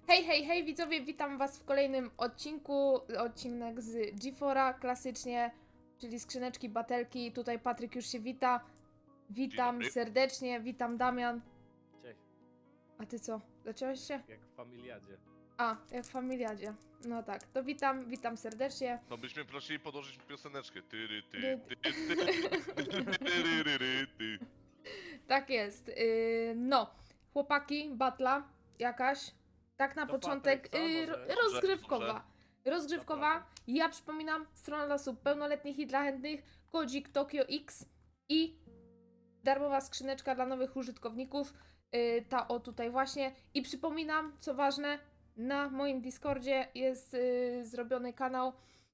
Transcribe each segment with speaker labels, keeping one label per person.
Speaker 1: Hej, hej, hej widzowie, witam was w kolejnym odcinek z G4, klasycznie, czyli skrzyneczki, batelki. Tutaj Patryk już się wita. Witam
Speaker 2: dobry.
Speaker 1: serdecznie, witam Damian.
Speaker 3: Cześć,
Speaker 1: A ty co, zacząłeś się?
Speaker 3: jak w familiadzie.
Speaker 1: A, jak w familiadzie. No tak, to witam serdecznie.
Speaker 2: To byśmy prosili podłożyć pioseneczkę. Tyry, ty,
Speaker 1: Dy-
Speaker 2: ty, tyryryry, ty.
Speaker 1: Tak jest. No, chłopaki, batla jakaś. Tak na
Speaker 3: To
Speaker 1: początek,
Speaker 3: Patryk, co? Może?
Speaker 1: rozgrzewkowa.
Speaker 2: Dobrze.
Speaker 1: Rozgrzewkowa.
Speaker 3: Zapraszam.
Speaker 1: Ja przypominam, strona dla osób pełnoletnich i dla chętnych, kodzik Tokio X i darmowa skrzyneczka dla nowych użytkowników. Ta o tutaj właśnie. I przypominam, co ważne, na moim Discordzie jest zrobiony kanał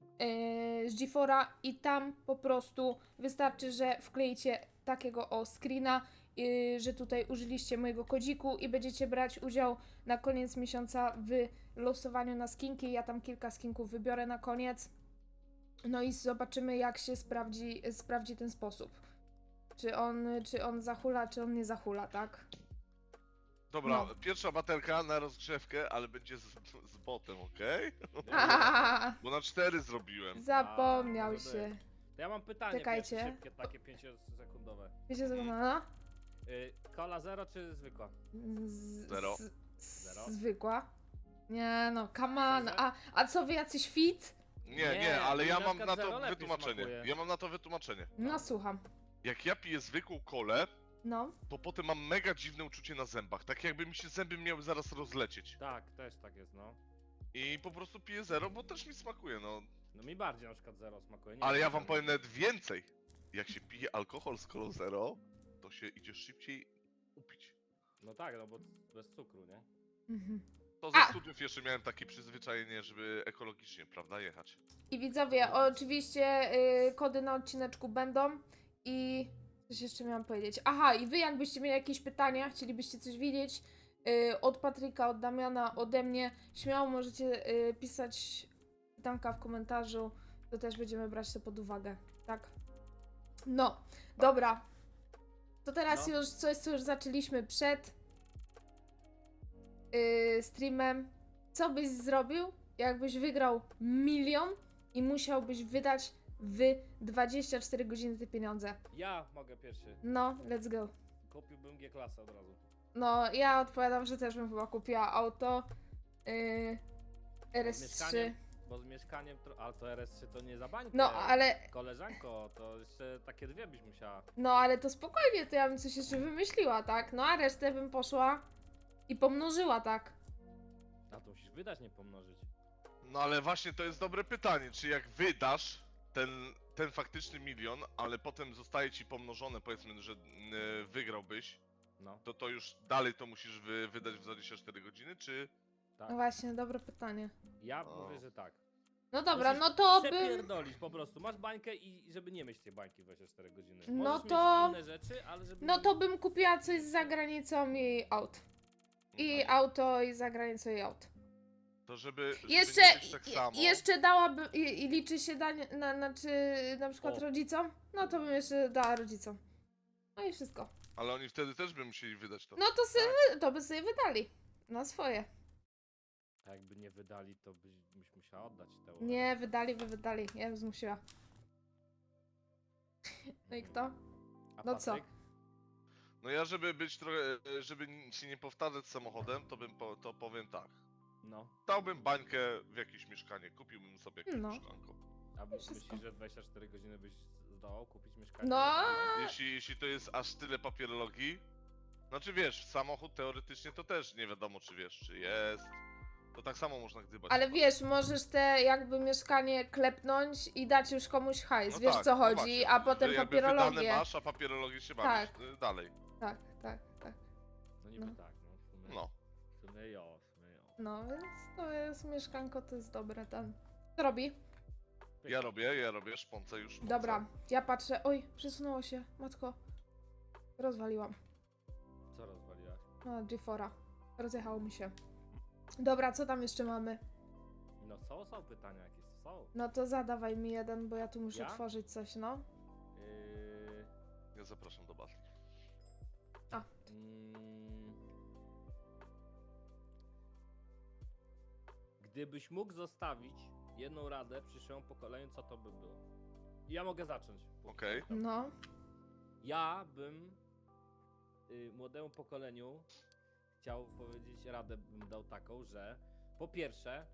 Speaker 1: z G4 i tam po prostu wystarczy, że wkleicie takiego o screena, że tutaj użyliście mojego kodziku i będziecie brać udział na koniec miesiąca w losowaniu na skinki. Ja tam kilka skinków wybiorę na koniec. No i zobaczymy, jak się sprawdzi ten sposób. Czy on zahula, czy on nie zahula, tak?
Speaker 2: Dobra,
Speaker 1: No.
Speaker 2: pierwsza baterka na rozgrzewkę, ale będzie z botem, okej? Bo na 4 zrobiłem.
Speaker 1: Zapomniał
Speaker 3: może
Speaker 1: się.
Speaker 3: być. To ja mam pytanie
Speaker 1: Czekajcie.
Speaker 3: pierwsze, szybkie, takie 5-sekundowe.
Speaker 1: Wiecie co to ma?
Speaker 3: Cola zero czy zwykła?
Speaker 2: Zero.
Speaker 3: Zero?
Speaker 1: Zwykła. Nie no, come on.
Speaker 3: Szczerze?
Speaker 1: A co wy jacyś fit?
Speaker 2: Nie, ale ja
Speaker 3: na
Speaker 2: mam
Speaker 3: przykład
Speaker 2: na
Speaker 3: zero
Speaker 2: to
Speaker 3: lepiej
Speaker 2: wytłumaczenie.
Speaker 3: smakuje.
Speaker 2: Ja mam na to wytłumaczenie.
Speaker 1: No słucham.
Speaker 2: Jak ja piję zwykłą kolę,
Speaker 1: No.
Speaker 2: to potem mam mega dziwne uczucie na zębach. Tak jakby mi się zęby miały zaraz rozlecieć.
Speaker 3: Tak, też tak jest, no.
Speaker 2: I po prostu piję zero, bo też mi smakuje, no.
Speaker 3: No mi bardziej na przykład zero smakuje. Nie
Speaker 2: Ale
Speaker 3: wiem,
Speaker 2: ja wam
Speaker 3: czemu.
Speaker 2: powiem nawet więcej. Jak się pije alkohol z kolą zero, to się idzie szybciej upić.
Speaker 3: No tak, no bo bez cukru, nie?
Speaker 1: Mhm.
Speaker 2: To ze
Speaker 1: A!
Speaker 2: studiów jeszcze miałem takie przyzwyczajenie, żeby ekologicznie, prawda, jechać.
Speaker 1: I widzowie, oczywiście kody na odcineczku będą i coś jeszcze miałam powiedzieć. Aha, i wy jakbyście mieli jakieś pytania, chcielibyście coś wiedzieć od Patryka, od Damiana, ode mnie, śmiało możecie pisać pytanka w komentarzu, to też będziemy brać to pod uwagę, tak? No, dobra. To teraz
Speaker 3: No.
Speaker 1: już coś, co już zaczęliśmy przed streamem. Co byś zrobił, jakbyś wygrał 1 000 000 i musiałbyś wydać w 24 godziny te pieniądze?
Speaker 3: Ja mogę pierwszy.
Speaker 1: No, let's go.
Speaker 3: Kupiłbym G-klasę od razu.
Speaker 1: No, ja odpowiadam, że też bym chyba kupiła auto RS3.
Speaker 3: mieszkaniem? Bo z mieszkaniem, ale to RS3 to nie za bańkę.
Speaker 1: No, ale
Speaker 3: Koleżanko, to jeszcze takie dwie byś musiała.
Speaker 1: no, ale to spokojnie, to ja bym coś jeszcze wymyśliła, tak? No, a resztę bym poszła i pomnożyła, tak?
Speaker 3: A to musisz wydać, nie pomnożyć.
Speaker 2: No ale właśnie to jest dobre pytanie, czy jak wydasz ten faktyczny 1 000 000, ale potem zostaje ci pomnożone, powiedzmy, że wygrałbyś,
Speaker 3: No,
Speaker 2: to już dalej to musisz wydać w 24 godziny, czy...
Speaker 3: tak.
Speaker 1: No właśnie, dobre pytanie.
Speaker 3: Ja
Speaker 2: O.
Speaker 3: mówię, że tak.
Speaker 1: No dobra,
Speaker 3: Musisz
Speaker 1: no to bym...
Speaker 3: Przepierdolić po prostu. Masz bańkę i żeby nie mieć tej bańki 24 godziny.
Speaker 1: No
Speaker 3: Możesz
Speaker 1: to-
Speaker 3: mieć inne rzeczy, ale żeby...
Speaker 1: No to bym kupiła coś za granicą i aut. I
Speaker 2: Mhm.
Speaker 1: auto i za granicą i aut.
Speaker 2: To żeby
Speaker 1: Jeszcze,
Speaker 2: nie być tak samo...
Speaker 1: jeszcze dałabym, i liczy się danie, znaczy na przykład
Speaker 3: O.
Speaker 1: rodzicom, no to bym jeszcze dała rodzicom. No i wszystko.
Speaker 2: Ale oni wtedy też by musieli wydać to.
Speaker 1: No to, to by sobie wydali. Na swoje.
Speaker 3: A jakby nie wydali, to byś musiała oddać te
Speaker 1: Nie, wydali, by wydali. Ja bym zmusiła. No i kto?
Speaker 3: A
Speaker 1: No co?
Speaker 3: Patryk?
Speaker 2: No ja, żeby być trochę, żeby się nie powtarzać z samochodem, to powiem tak.
Speaker 3: No.
Speaker 2: Dałbym bańkę w jakieś mieszkanie, kupiłbym sobie jakieś
Speaker 1: No.
Speaker 2: mieszkanko.
Speaker 3: A
Speaker 1: Wszystko.
Speaker 3: myślisz, że 24 godziny byś zdołał kupić mieszkanie?
Speaker 1: No.
Speaker 2: Jeśli to jest aż tyle papierologii, znaczy wiesz, samochód teoretycznie to też nie wiadomo czy wiesz, czy jest. To tak samo można gdybać.
Speaker 1: Ale wiesz, możesz te jakby mieszkanie klepnąć i dać już komuś hajs,
Speaker 2: No
Speaker 1: wiesz
Speaker 2: tak,
Speaker 1: co
Speaker 2: no
Speaker 1: chodzi,
Speaker 2: właśnie,
Speaker 1: a potem
Speaker 2: że jakby
Speaker 1: papierologię.
Speaker 2: wydane masz, a papierologię się bawisz dalej.
Speaker 1: Tak, tak, tak.
Speaker 3: No niby
Speaker 1: No.
Speaker 3: tak, no. W sumie,
Speaker 2: No.
Speaker 3: w sumie jo, w sumie jo.
Speaker 1: No, więc to jest mieszkanko, to jest dobre ten. Co robi?
Speaker 2: Ja robię, szponce już. Szponce.
Speaker 1: Dobra, ja patrzę. Oj, przesunęło się, matko. Rozwaliłam.
Speaker 3: Co rozwaliłaś?
Speaker 1: No, G4. Rozjechało mi się. Dobra, co tam jeszcze mamy?
Speaker 3: No są pytania jakieś, są.
Speaker 1: No to zadawaj mi jeden, bo ja tu muszę
Speaker 3: Ja?
Speaker 1: tworzyć coś, no.
Speaker 2: Ja zapraszam do batli.
Speaker 1: A,
Speaker 3: Mm, Gdybyś mógł zostawić jedną radę przyszłemu pokoleniu, co to by było? Ja mogę zacząć.
Speaker 2: Okej.
Speaker 1: No.
Speaker 3: Ja bym młodemu pokoleniu chciał powiedzieć, radę bym dał taką, że po pierwsze,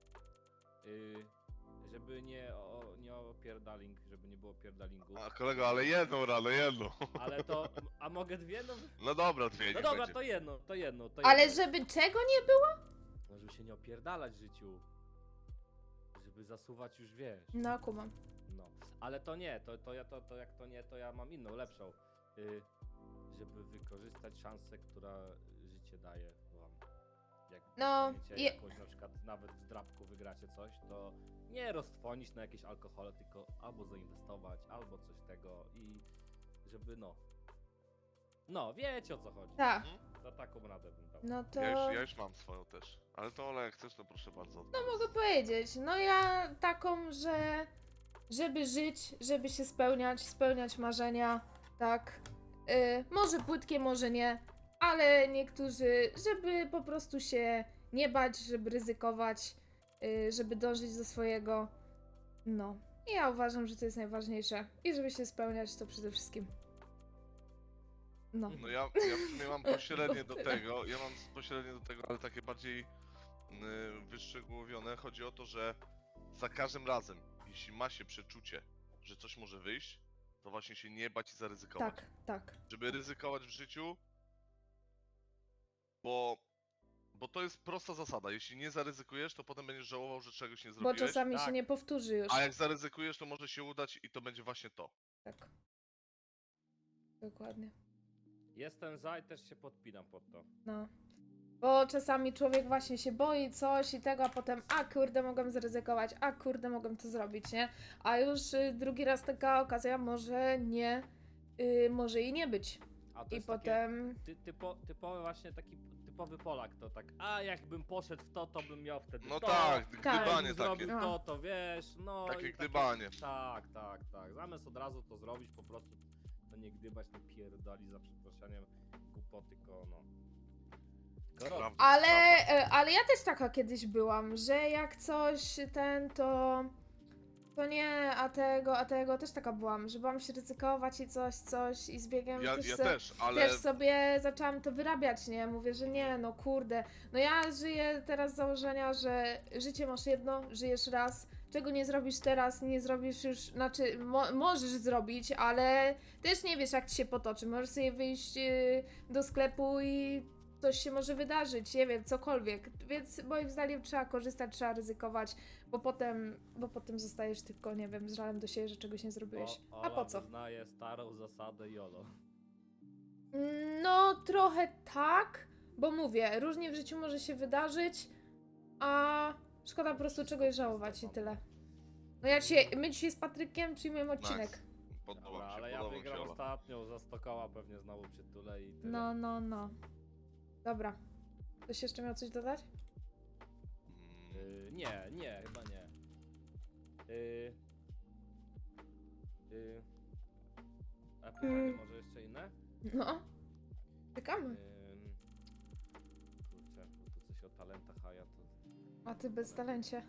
Speaker 3: żeby nie opierdaling, żeby nie było pierdalingu,
Speaker 2: A kolego, ale jedną radę, jedną.
Speaker 3: ale to, a mogę dwie? No,
Speaker 2: No dobra, dwie
Speaker 3: no
Speaker 2: niech
Speaker 3: dobra,
Speaker 2: będzie.
Speaker 3: to jedno.
Speaker 1: Ale żeby czego nie było?
Speaker 3: No, żeby się nie opierdalać w życiu, żeby zasuwać już, wiesz.
Speaker 1: No, kumam.
Speaker 3: No, ale to nie, to jak to nie, to ja mam inną, lepszą. Żeby wykorzystać szansę, która życie daje wam. Jak
Speaker 1: No,
Speaker 3: dostaniecie jakąś na przykład nawet w drapku wygracie coś, to nie roztrwonić na jakieś alkohole, tylko albo zainwestować, albo coś tego i żeby no wiecie o co chodzi.
Speaker 1: Tak.
Speaker 3: Za taką radę bym dał.
Speaker 1: No to...
Speaker 2: Ja już mam swoją też. Ale to Ola, jak chcesz, to proszę bardzo.
Speaker 1: No mogę powiedzieć. No ja taką, że... Żeby żyć, żeby się spełniać marzenia, tak. Może płytkie, może nie, ale niektórzy, żeby po prostu się nie bać, żeby ryzykować, żeby dążyć do swojego. No. I ja uważam, że to jest najważniejsze. I żeby się spełniać, to przede wszystkim. No.
Speaker 2: No ja w sumie mam pośrednie do tego, ale takie bardziej wyszczegółowione. Chodzi o to, że za każdym razem, jeśli ma się przeczucie, że coś może wyjść, to właśnie się nie bać i zaryzykować.
Speaker 1: Tak.
Speaker 2: Żeby ryzykować w życiu, bo to jest prosta zasada. Jeśli nie zaryzykujesz, to potem będziesz żałował, że czegoś nie
Speaker 1: Bo
Speaker 2: zrobiłeś.
Speaker 1: czasami się
Speaker 3: Tak.
Speaker 1: nie powtórzy już.
Speaker 2: A jak zaryzykujesz, to może się udać i to będzie właśnie to.
Speaker 1: Tak. Dokładnie.
Speaker 3: Jestem za i też się podpinam pod to.
Speaker 1: No. Bo czasami człowiek właśnie się boi coś i tego, a potem a kurde mogłem zaryzykować, a kurde mogłem to zrobić, nie? A już drugi raz taka okazja może nie, może i nie być.
Speaker 3: A to
Speaker 1: I
Speaker 3: jest
Speaker 1: potem...
Speaker 3: typowy właśnie taki typowy Polak, to tak, a jakbym poszedł w to, to bym miał wtedy
Speaker 2: No
Speaker 3: to.
Speaker 2: tak,
Speaker 1: Tak.
Speaker 2: gdybanie
Speaker 3: Jakbym
Speaker 2: takie.
Speaker 3: zrobił to wiesz, no
Speaker 2: Takie
Speaker 3: i
Speaker 2: gdybanie.
Speaker 3: Tak. Zamiast od razu to zrobić, po prostu to nie gdybać, nie pierdoli za przeproszeniem głupoty, tylko no. Tylko robić.
Speaker 2: Prawda,
Speaker 1: Ale,
Speaker 2: prawda.
Speaker 1: ale ja też taka kiedyś byłam, że jak coś to nie, a tego też taka byłam, że bałam się ryzykować i coś i z biegiem
Speaker 2: Ja
Speaker 1: też,
Speaker 2: też, ale
Speaker 1: też sobie zaczęłam to wyrabiać, nie? Mówię, że nie, no kurde. No ja żyję teraz z założenia, że życie masz jedno, żyjesz raz, czego nie zrobisz teraz, nie zrobisz już, znaczy możesz zrobić, ale też nie wiesz jak ci się potoczy. Możesz sobie wyjść do sklepu i coś się może wydarzyć, nie wiem, cokolwiek. Więc moim zdaniem trzeba korzystać, trzeba ryzykować, bo potem zostajesz tylko, nie wiem, z żalem do siebie, że czegoś nie zrobiłeś. A po co?
Speaker 3: Wyznaje starą zasadę YOLO.
Speaker 1: No, trochę tak, bo mówię, różnie w życiu może się wydarzyć, a szkoda po prostu czegoś żałować i tyle. No my dzisiaj z Patrykiem przyjmujemy odcinek.
Speaker 2: Nice.
Speaker 3: Dobra,
Speaker 2: Podoba mi się,
Speaker 3: ale ja
Speaker 2: podoba mi się,
Speaker 3: wygram
Speaker 2: Ola.
Speaker 3: ostatnią, za 100 koła pewnie znowu przytulę i tyle.
Speaker 1: No. Dobra. Ktoś jeszcze miał coś dodać?
Speaker 3: Nie, chyba nie. A pytanie może jeszcze inne?
Speaker 1: No. Czekamy.
Speaker 3: Kurczę, bo tu coś o talentach, a ja to...
Speaker 1: A ty bez talencie.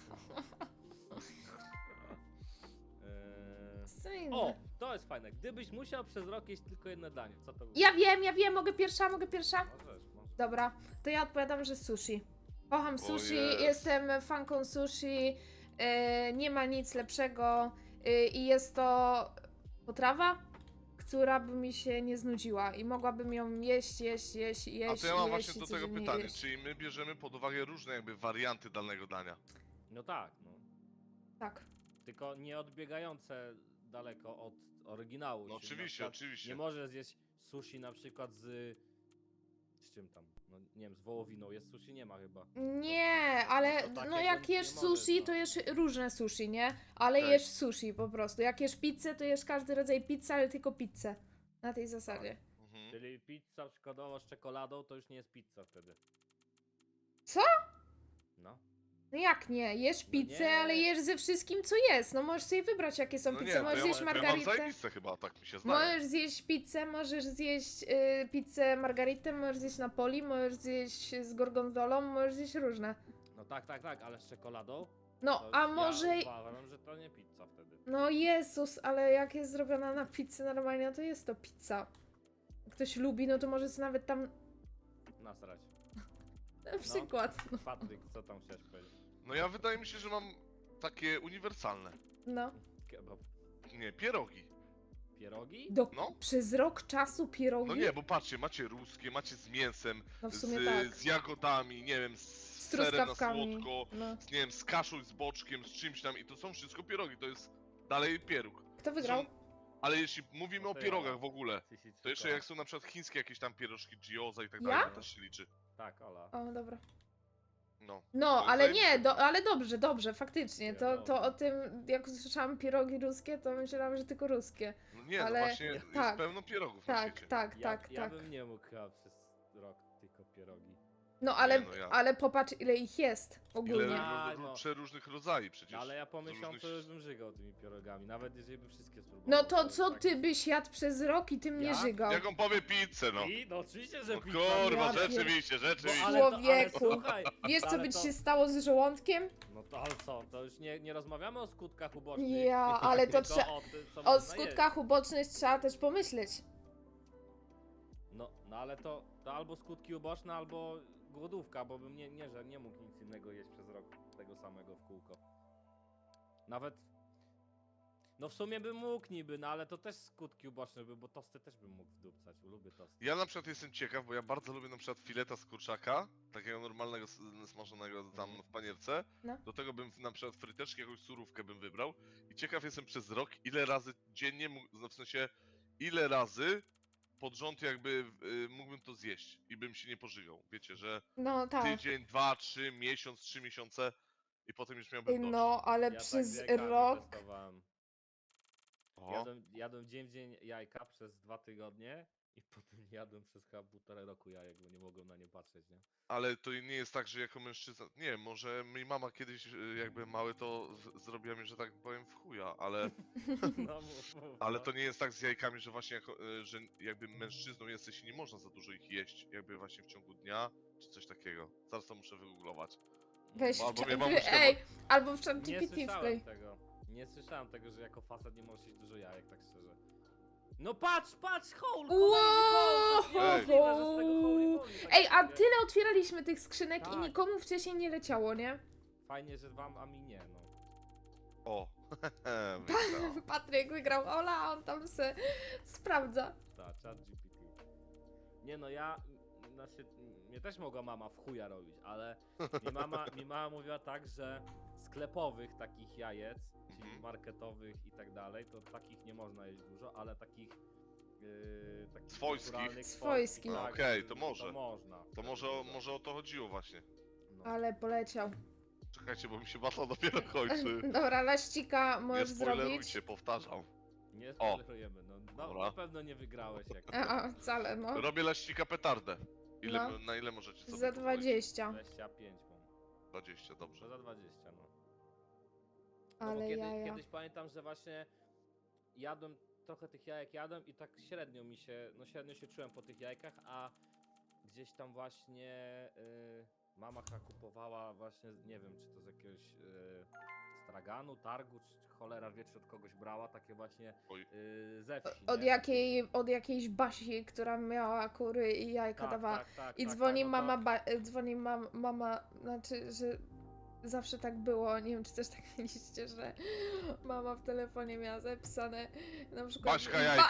Speaker 1: Co inne?
Speaker 3: O, to jest fajne. Gdybyś musiał przez rok jeść tylko jedno danie, co to by
Speaker 1: Ja wiem, mogę pierwsza?
Speaker 3: Możesz.
Speaker 1: Dobra, to ja odpowiadam, że sushi. Kocham sushi,
Speaker 2: jest.
Speaker 1: jestem fanką sushi, nie ma nic lepszego i jest to potrawa, która by mi się nie znudziła i mogłabym ją jeść.
Speaker 2: A to ja mam właśnie
Speaker 1: i
Speaker 2: do tego
Speaker 1: codziennie
Speaker 2: pytanie,
Speaker 1: jeść.
Speaker 2: czyli my bierzemy pod uwagę różne jakby warianty danego dania.
Speaker 3: No tak, no.
Speaker 1: Tak.
Speaker 3: Tylko nie odbiegające daleko od oryginału.
Speaker 2: No
Speaker 3: czyli na
Speaker 2: oczywiście,
Speaker 3: przykład
Speaker 2: oczywiście.
Speaker 3: Nie możesz zjeść sushi na przykład z czym tam? No nie wiem, z wołowiną jest sushi? Nie ma chyba.
Speaker 1: Nie, ale
Speaker 3: No to takiego
Speaker 1: no jak
Speaker 3: nie
Speaker 1: jesz
Speaker 3: możesz,
Speaker 1: sushi,
Speaker 3: no.
Speaker 1: to jesz różne sushi, nie? Ale
Speaker 2: Tak.
Speaker 1: jesz sushi po prostu. Jak jesz pizzę, to jesz każdy rodzaj pizzy, ale tylko pizzę. Na tej zasadzie.
Speaker 2: Mhm.
Speaker 3: Czyli pizza przykładowo z czekoladą to już nie jest pizza wtedy.
Speaker 1: Co?
Speaker 3: No.
Speaker 1: No jak nie? Jesz
Speaker 3: No
Speaker 1: pizzę,
Speaker 3: nie.
Speaker 1: ale jesz ze wszystkim, co jest. No możesz sobie wybrać, jakie są
Speaker 2: No
Speaker 1: pizze.
Speaker 2: nie, to
Speaker 1: Możesz
Speaker 2: ja,
Speaker 1: zjeść
Speaker 2: ja mam
Speaker 1: margaritę.
Speaker 2: zajebiste chyba, tak mi się zdaje.
Speaker 1: Możesz zjeść pizzę, możesz zjeść pizzę margaritę, możesz zjeść Napoli, możesz zjeść z gorgonzolą, możesz zjeść różne.
Speaker 3: No tak, ale z czekoladą?
Speaker 1: No,
Speaker 3: To
Speaker 1: a
Speaker 3: ja
Speaker 1: może...
Speaker 3: uważam, że to nie pizza wtedy.
Speaker 1: No Jezus, ale jak jest zrobiona na pizzy normalnie, no to jest to pizza. Jak ktoś lubi, no to może sobie nawet tam...
Speaker 3: Nasrać.
Speaker 1: Na przykład.
Speaker 3: Patryk, co tam chciałeś powiedzieć?
Speaker 2: No ja wydaje mi się, że mam takie uniwersalne.
Speaker 1: No.
Speaker 3: Kebab.
Speaker 2: Nie, pierogi.
Speaker 3: Pierogi?
Speaker 1: No. Przez rok czasu pierogi?
Speaker 2: No nie, bo patrzcie, macie ruskie, macie z mięsem,
Speaker 1: No w sumie tak.
Speaker 2: z jagodami, nie wiem, z
Speaker 1: Z
Speaker 2: serem na
Speaker 1: truskawkami.
Speaker 2: słodko,
Speaker 1: No.
Speaker 2: nie wiem, z kaszą, z boczkiem, z czymś tam i to są wszystko pierogi, to jest dalej pieróg.
Speaker 1: Kto wygrał?
Speaker 2: Są, ale jeśli mówimy
Speaker 3: No
Speaker 2: o
Speaker 3: to
Speaker 2: pierogach
Speaker 3: ja.
Speaker 2: w ogóle, to jeszcze jak są na przykład chińskie jakieś tam pierożki gioza i tak
Speaker 1: Ja?
Speaker 2: dalej, to też się liczy.
Speaker 3: Tak, Ola.
Speaker 1: O, dobra.
Speaker 2: No.
Speaker 1: No,
Speaker 2: To
Speaker 1: ale
Speaker 2: zajebiste.
Speaker 1: nie, ale dobrze, faktycznie. To
Speaker 3: Wiadomo.
Speaker 1: o tym, jak usłyszałam pierogi ruskie, to myślałam, że tylko ruskie.
Speaker 2: No nie,
Speaker 1: Ale-
Speaker 2: no właśnie jest
Speaker 1: tak.
Speaker 2: pełno pierogów na
Speaker 1: Tak,
Speaker 2: świecie.
Speaker 1: tak,
Speaker 3: Ja
Speaker 1: tak.
Speaker 3: bym nie mógł chyba przez rok tylko pierogi.
Speaker 1: No ale,
Speaker 2: Nie, no ja.
Speaker 1: ale popatrz, ile ich jest
Speaker 2: Ile
Speaker 1: ogólnie.
Speaker 3: Tak, no.
Speaker 2: przeróżnych rodzajów przecież.
Speaker 3: No, ale ja po
Speaker 2: z
Speaker 3: miesiącu
Speaker 2: różnych-
Speaker 3: już bym żygał tymi pierogami, nawet jeżeli bym wszystkie spróbował.
Speaker 1: No to
Speaker 3: jest
Speaker 1: co
Speaker 3: tak-
Speaker 1: ty byś jadł przez rok i tym nie
Speaker 3: Ja?
Speaker 1: żygał?
Speaker 2: Jak on powie pizzę, no.
Speaker 3: I? No oczywiście, że
Speaker 2: No
Speaker 3: pizza.
Speaker 2: kurwa,
Speaker 1: Ja pier-
Speaker 2: rzeczywiście.
Speaker 1: Człowieku.
Speaker 3: słuchaj,
Speaker 1: Wiesz co
Speaker 3: ale
Speaker 1: by ci
Speaker 3: to-
Speaker 1: się stało z żołądkiem?
Speaker 3: No to ale co, to już nie rozmawiamy o skutkach ubocznych.
Speaker 1: Ja, ale to
Speaker 3: tylko
Speaker 1: trze-
Speaker 3: o tym, co
Speaker 1: O
Speaker 3: można
Speaker 1: skutkach ubocznych trzeba też pomyśleć.
Speaker 3: jeść. No ale to albo skutki uboczne, albo głodówka, bo bym że nie mógł nic innego jeść przez rok tego samego w kółko. Nawet... No w sumie bym mógł niby, no ale to też skutki uboczne by, bo tosty też bym mógł wdupcać, lubię tosty.
Speaker 2: Ja na przykład jestem ciekaw, bo ja bardzo lubię na przykład fileta z kurczaka, takiego normalnego, smażonego tam w panierce.
Speaker 1: No.
Speaker 2: Do tego bym na przykład fryteczki, jakąś surówkę bym wybrał. I ciekaw jestem przez rok, ile razy dziennie, no w sensie, ile razy pod rząd jakby mógłbym to zjeść i bym się nie pożygał. Wiecie, że
Speaker 1: No tak.
Speaker 2: tydzień, 2, 3, miesiąc, 3 miesiące i potem już miałbym dość.
Speaker 1: No, ale
Speaker 3: Ja tak
Speaker 1: przez
Speaker 3: z jajkami
Speaker 1: rok...
Speaker 3: testowałem.
Speaker 2: O,
Speaker 3: Jadłem dzień w dzień jajka przez 2 tygodnie i potem jadłem przez chyba 1,5 roku jajek, bo nie mogłem na nie patrzeć, nie?
Speaker 2: ale to nie jest tak, że jako mężczyzna, nie wiem, może mi mama kiedyś jakby mały to zrobiła mi, że tak powiem w chuja, ale...
Speaker 3: No, mów,
Speaker 2: Ale
Speaker 3: no.
Speaker 2: to nie jest tak z jajkami, że właśnie jako, że jakby mężczyzną jesteś i nie można za dużo ich jeść, jakby właśnie w ciągu dnia, czy coś takiego. Zaraz to muszę wygooglować.
Speaker 1: Weź
Speaker 2: Albo
Speaker 1: w
Speaker 2: mnie
Speaker 1: cza-
Speaker 2: mamuśka
Speaker 1: Ej, albo w
Speaker 3: Nie
Speaker 1: ChatGPT wklej.
Speaker 3: słyszałem tego. Nie słyszałem tego, że jako facet nie możesz jeść dużo jajek, tak szczerze. No patrz, Hołl!
Speaker 1: Wow! Ej, a
Speaker 3: ty...
Speaker 1: tyle otwieraliśmy tych skrzynek i
Speaker 3: Tak.
Speaker 1: nikomu wcześniej nie leciało, nie?
Speaker 3: Fajnie, że wam, a mi nie, no.
Speaker 2: O, wygrał.
Speaker 1: Patryk wygrał, Ola, on tam se sprawdza.
Speaker 3: Tak, chat GPT. Nie no, znaczy, mnie też mogła mama w chuja robić, ale mi mama mówiła tak, że sklepowych takich jajec, czyli
Speaker 2: Mhm.
Speaker 3: marketowych i tak dalej, to takich nie można jeść dużo, ale takich
Speaker 2: Swojskich.
Speaker 3: naturalnych,
Speaker 1: Swojskich.
Speaker 3: tak,
Speaker 2: Okej,
Speaker 3: że
Speaker 2: to może.
Speaker 3: To można.
Speaker 2: To
Speaker 3: wtedy
Speaker 2: może,
Speaker 3: dużo.
Speaker 2: może o to chodziło właśnie.
Speaker 3: No.
Speaker 1: Ale poleciał.
Speaker 2: Czekajcie, bo mi się batla dopiero kończy.
Speaker 1: Dobra, laścika
Speaker 2: Nie
Speaker 1: możesz zrobić.
Speaker 2: spoilerujcie, powtarzam.
Speaker 3: Nie spoilerujemy, no
Speaker 2: Dobra.
Speaker 3: na pewno nie wygrałeś jak
Speaker 1: Wcale, no.
Speaker 2: Robię laścika petardę.
Speaker 1: No.
Speaker 2: Na ile możecie sobie
Speaker 1: Za
Speaker 2: pozwolić?
Speaker 1: 20.
Speaker 3: 25 mam.
Speaker 2: 20, dobrze.
Speaker 3: Że za 20, no. No
Speaker 1: Ale
Speaker 3: bo
Speaker 1: jaja.
Speaker 3: kiedyś pamiętam, że właśnie jadłem, trochę tych jajek jadłem i tak średnio się czułem po tych jajkach, a gdzieś tam właśnie mama kupowała właśnie, nie wiem, czy to z jakiegoś straganu, targu, czy cholera wie, czy od kogoś brała, takie właśnie
Speaker 2: Oj.
Speaker 3: ze wsi, nie?
Speaker 1: Od jakiejś Basi, która miała kury i jajka
Speaker 3: Tak,
Speaker 1: dawała.
Speaker 3: tak,
Speaker 1: I
Speaker 3: tak,
Speaker 1: dzwoni
Speaker 3: tak, no to-
Speaker 1: mama, dzwoni mama, znaczy, że zawsze tak było, nie wiem czy też tak mieliście, że mama w telefonie miała zapisane na przykład
Speaker 2: Baśka jajka.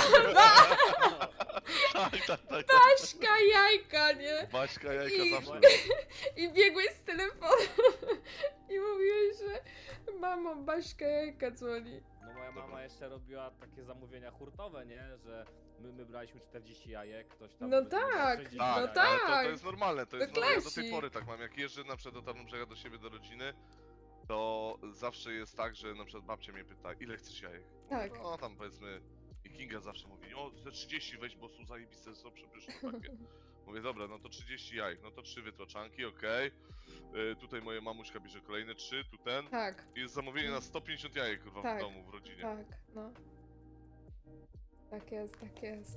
Speaker 2: Tak, tak, tak.
Speaker 1: Baśka jajka, nie?
Speaker 2: Baśka jajka
Speaker 1: I-
Speaker 2: zawsze.
Speaker 1: I biegłeś z telefonu i mówiłeś, że mamo Baśka jajka dzwoni.
Speaker 3: No moja
Speaker 2: Dobra.
Speaker 3: mama jeszcze robiła takie zamówienia hurtowe, nie? Że my braliśmy 40 jajek, ktoś tam...
Speaker 1: No
Speaker 3: powiedzmy brał
Speaker 1: tak,
Speaker 3: 60
Speaker 1: no
Speaker 2: Tak,
Speaker 3: jajek.
Speaker 2: ale
Speaker 1: tak.
Speaker 2: to jest normalne, to
Speaker 1: To
Speaker 2: jest normalne. Ja do tej
Speaker 1: klasi.
Speaker 2: pory tak mam, jak jeżdżę na przykład do Tarnobrzega do siebie, do rodziny, to zawsze jest tak, że na przykład babcia mnie pyta, ile chcesz jajek?
Speaker 1: Tak.
Speaker 2: No tam powiedzmy, i Kinga zawsze mówi, o te 30 weź, bo są zajebiste, są przepyszne takie. Mówię, dobra, no to 30 jajek, no to 3 wytłaczanki, okej. Tutaj moja mamuśka bierze kolejne 3, tu ten.
Speaker 1: Tak,
Speaker 2: I jest zamówienie na 150 jajek kurwa
Speaker 1: Tak.
Speaker 2: w domu, w rodzinie.
Speaker 1: tak, no. Tak jest, tak jest.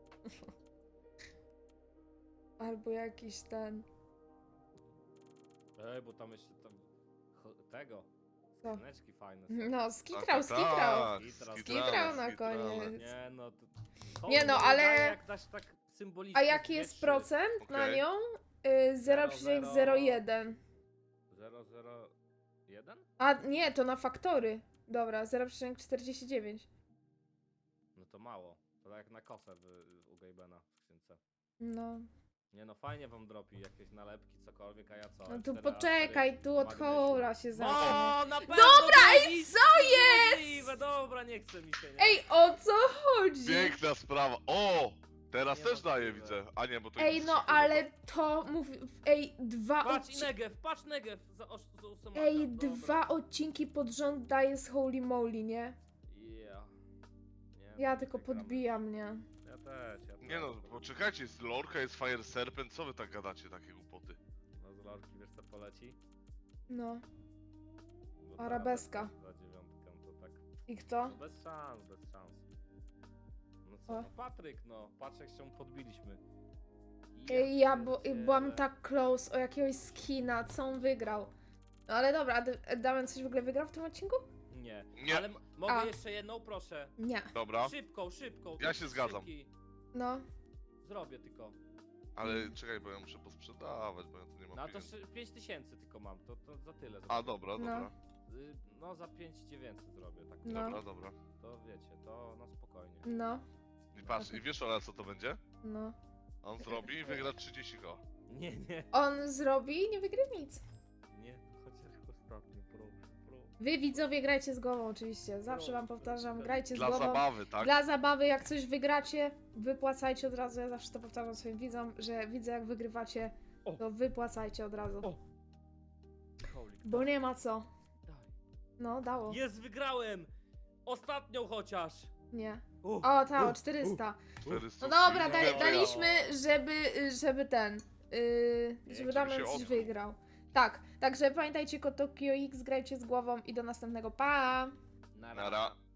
Speaker 1: Albo jakiś ten...
Speaker 3: Ej, bo tam jeszcze tam... tego...
Speaker 1: Co?
Speaker 3: Skrzyneczki fajne są.
Speaker 1: No, skitrał. Skitrał na koniec.
Speaker 3: Nie no, to...
Speaker 1: Nie no,
Speaker 3: Hołd
Speaker 1: ale-
Speaker 3: daje, Jak dasz tak symbolicznie
Speaker 1: A jaki jest
Speaker 3: 2-3.
Speaker 1: procent na
Speaker 2: Okej.
Speaker 1: nią? 0,01.
Speaker 3: 001?
Speaker 1: A nie, to na faktory. Dobra, 0,49.
Speaker 3: No to mało. To jak na kosę u Gabena w skrzynce.
Speaker 1: No.
Speaker 3: Nie no, fajnie wam dropi jakieś nalepki, cokolwiek, a ja co?
Speaker 1: No tu
Speaker 3: F4,
Speaker 1: poczekaj, tu od
Speaker 3: magnesie.
Speaker 1: hoła się zacznie.
Speaker 3: O, na pewno!
Speaker 1: Dobra,
Speaker 3: to
Speaker 1: ej,
Speaker 3: jest
Speaker 1: co
Speaker 3: możliwe, Dobra, nie chce mi się, nie?
Speaker 1: Ej, o co chodzi?
Speaker 2: Piękna sprawa. O! Teraz też daje,
Speaker 3: Niemożliwe.
Speaker 2: widzę. A nie, bo to
Speaker 1: Ej,
Speaker 2: jest
Speaker 1: no
Speaker 2: szybko,
Speaker 1: ale
Speaker 2: dobra.
Speaker 1: to mówi... Ej,
Speaker 3: Patrz Negev za ósemaka.
Speaker 1: Ej,
Speaker 3: Dobra.
Speaker 1: 2 odcinki pod rząd daje z Holy Moly, nie?
Speaker 3: Yeah. Nie,
Speaker 1: Ja
Speaker 3: no,
Speaker 1: tylko
Speaker 3: gramy.
Speaker 1: podbijam, nie?
Speaker 3: Ja też.
Speaker 2: Nie no, poczekajcie, jest Lorka, jest Fire Serpent, co wy tak gadacie, takie głupoty?
Speaker 3: No z lorki wiesz co poleci?
Speaker 1: No.
Speaker 3: No ta
Speaker 1: Arabeska.
Speaker 3: Za dziewiątkę to tak.
Speaker 1: I kto?
Speaker 3: No bez szans, bez szans. No co,
Speaker 1: O.
Speaker 3: no Patryk, no. Patrz jak się podbiliśmy.
Speaker 1: Ej, ja
Speaker 3: pierdzielę.
Speaker 1: byłam tak close o jakiegoś skina, co on wygrał. No ale dobra, a Damian coś w ogóle wygrał w tym odcinku?
Speaker 3: Nie.
Speaker 2: Nie.
Speaker 3: Ale mogę
Speaker 1: A.
Speaker 3: jeszcze jedną, proszę.
Speaker 1: Nie.
Speaker 2: Dobra,
Speaker 3: Szybką.
Speaker 2: Ja się zgadzam.
Speaker 3: Szybki.
Speaker 1: No.
Speaker 3: Zrobię tylko.
Speaker 2: ale czekaj, bo ja muszę posprzedawać, bo ja tu nie mam
Speaker 3: No to
Speaker 2: pieniędzy.
Speaker 3: 5000 tylko mam, to za tyle.
Speaker 2: A,
Speaker 3: zrobię.
Speaker 2: dobra,
Speaker 1: No.
Speaker 2: dobra.
Speaker 3: No za 5900 zrobię, tak.
Speaker 1: No.
Speaker 2: Dobra, dobra.
Speaker 3: To wiecie, to na spokojnie.
Speaker 1: No.
Speaker 2: I patrz, i wiesz Ola, co to będzie?
Speaker 1: No.
Speaker 2: On zrobi i wygra 30 koła.
Speaker 3: Nie.
Speaker 1: On zrobi i nie wygra nic.
Speaker 3: Nie, chociaż ostatnio, proszę.
Speaker 1: Wy widzowie grajcie z głową oczywiście. Zawsze wam powtarzam, grajcie z
Speaker 2: Dla
Speaker 1: głową.
Speaker 2: zabawy, tak?
Speaker 1: Dla zabawy, jak coś wygracie, wypłacajcie od razu. Ja zawsze to powtarzam swoim widzom, że widzę jak wygrywacie,
Speaker 3: O.
Speaker 1: to wypłacajcie od razu.
Speaker 3: O. Holik,
Speaker 1: Bo nie ma co.
Speaker 3: daj.
Speaker 1: No, dało.
Speaker 3: Jest, wygrałem! Ostatnią chociaż!
Speaker 1: Nie.
Speaker 3: U,
Speaker 1: O, ta, o 400.
Speaker 2: 400.
Speaker 1: No dobra,
Speaker 3: Dobra.
Speaker 1: daliśmy, żeby ten, żeby
Speaker 2: żeby
Speaker 1: Damian
Speaker 2: się
Speaker 1: coś
Speaker 2: odkrył. wygrał.
Speaker 1: Tak, także pamiętajcie, kod Tokio X, grajcie z głową i do następnego, pa!
Speaker 3: Nara.
Speaker 2: Nara.